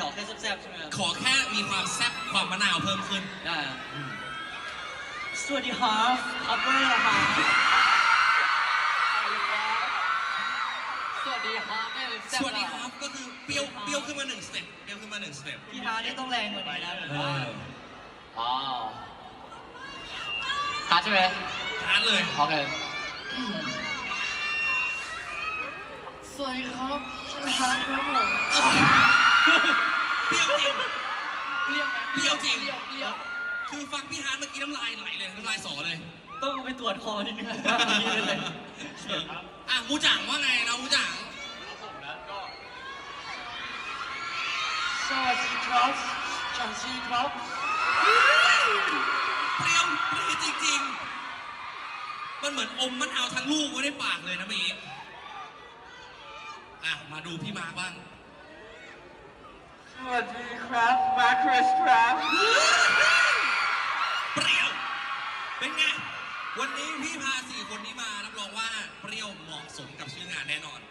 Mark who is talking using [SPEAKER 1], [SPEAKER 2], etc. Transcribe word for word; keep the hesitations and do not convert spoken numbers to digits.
[SPEAKER 1] ขอแค่แซ่บๆใช่ไหมครับ
[SPEAKER 2] ขอแค่มีความแซ่บความมะนาวเพิ่มขึ้น
[SPEAKER 1] ได้สวัสดีครับอัปเปอร์ครับสวัสดีครับแม่เป็นแซ่บ
[SPEAKER 2] สวัสดีครับก็คือเปรี้ยวเปรี้ยวขึ้นมาหนึ่งสเต็ปเปรี้ยวขึ้นมาหนึ่งสเต็ป
[SPEAKER 1] พี่ฮาร์ดนี่ต้องแรงกว่านี้นะผมว่าอ๋อฮาร์ดใช่ไหม
[SPEAKER 2] ทานเลย
[SPEAKER 1] โอเคสวัสดีครับชื่อฮาร์ดครับผม
[SPEAKER 2] เปรี้ยวจริง
[SPEAKER 1] เปรี้ยวไหม
[SPEAKER 2] เปรี้ยวจริง
[SPEAKER 1] เปรี้ยวเปรี้ยว
[SPEAKER 2] คือฟังพี่ฮาร์ดเมื่อกี้น้ำลายไหลเลยน้ำลายสอเลย
[SPEAKER 1] ต้องไปตรวจคอนิดนึงเลย
[SPEAKER 2] อ่ะมูจังว่าไงเรามูจัง
[SPEAKER 1] สวัสดีครับจังซีครับ
[SPEAKER 2] เปรี้ยวเปรี้ยวจริงๆมันเหมือนอมมะนาวทั้งลูกไว้ในปากเลยนะเมื่อกี้อ่ะมาดูพี่มาร์คบ้าง
[SPEAKER 1] สวัสดีครับมาร์คริสครับ
[SPEAKER 2] เปรี้ยวเป็นไงวันนี้พี่พาสี่คนนี้มารับรองว่าเปรี้ยวเหมาะสมกับชื่องานแน่นอน